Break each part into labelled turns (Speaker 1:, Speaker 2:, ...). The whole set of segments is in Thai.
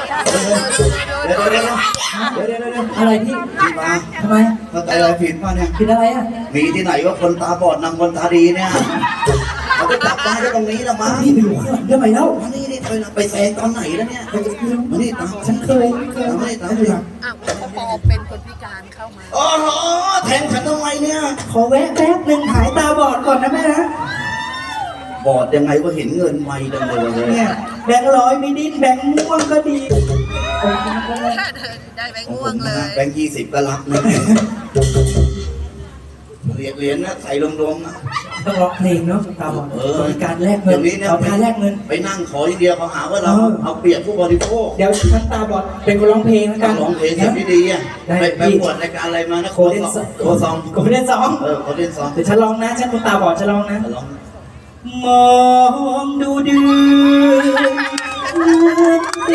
Speaker 1: อะไรพี่
Speaker 2: มา
Speaker 1: ทำไม
Speaker 2: เข้าใจอะไรผิดป่ะเนี่ย
Speaker 1: ผิดอะไรอ่ะ
Speaker 2: มีที่ไหนว่าคนตาบอดนำคนตาดีเนี่ยเขาไปจับได้ตรงนี้ละมั้ง
Speaker 1: พี่ไปอยู่ข้างหลังทำไมเล่า
Speaker 2: มานี่นี่ไปแซงตอนไหนแล้วเนี่ยมานี่ตาม
Speaker 1: ฉันเคย
Speaker 2: มานี่ตาม
Speaker 3: เขาพอเป็นคนพิการเข้ามา
Speaker 2: โอ้โหแทงฉันทำไมเนี่ย
Speaker 1: ขอแวะแป๊บนึงหายตาบอดก่อนนะแม่นะ
Speaker 2: บอดยังไงว่าเห็นเงินไวจังเลย
Speaker 1: เนี่ยแบงค์100ไม่ดิ้นแบงค์ม่วงก็ดี
Speaker 3: ได้แบงค์ม่วงเลย
Speaker 2: แบงค์20ก็รับนะเหรียญนะใส่รวมๆนะ
Speaker 1: ต้องร้องเพลงเนาะตาบอดการแลกเงินเอาการแลกเงิน
Speaker 2: ไปนั่งขออย่างเดียวเขาหาว่าเราเอาเปรียบผู้บริโภค
Speaker 1: เดี๋ยวฉันตาบอดเป็นคนร้องเพลงแล้วกัน
Speaker 2: ร้องเพลงที่ดีอ่ะไปปวดรายการอะไรมานะโคเดนซองโคเดนซอง
Speaker 1: โคเดนซองเดี๋ยวฉันร้องนะฉันคนตาบอดฉันร้องนะมองดูเดือนใจ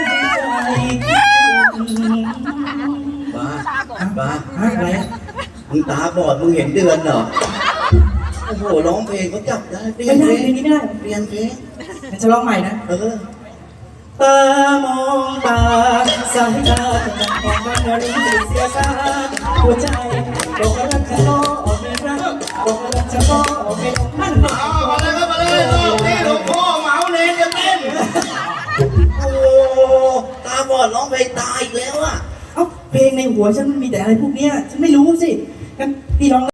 Speaker 2: บ้า
Speaker 1: อะไร
Speaker 2: มึงตาบอดมึงเห็นเดือนเหรอโอ้โหร้องเพลงเขาจับได้เปลี่ยนเพลง
Speaker 1: นี้ไม่ได้
Speaker 2: เปลี่ยนเพลง
Speaker 1: จะร้องใหม่นะตามองตาสายตาจับของมันรู้สึกเสียการหัวใจบอกรักเธอก็ไม่รักบอกรักเธอก็ไม่มั่น
Speaker 2: มาเลยครับมาเลยนี่หลวงพ่อเหมาเนรจะเต้นโอ้ตาบอดร้องเพลงตายอีกแล้วอ่ะ
Speaker 1: เอ้าเพลงในหัวฉันมีแต่อะไรพวกเนี้ยฉันไม่รู้สิงั้นพี่ร้อง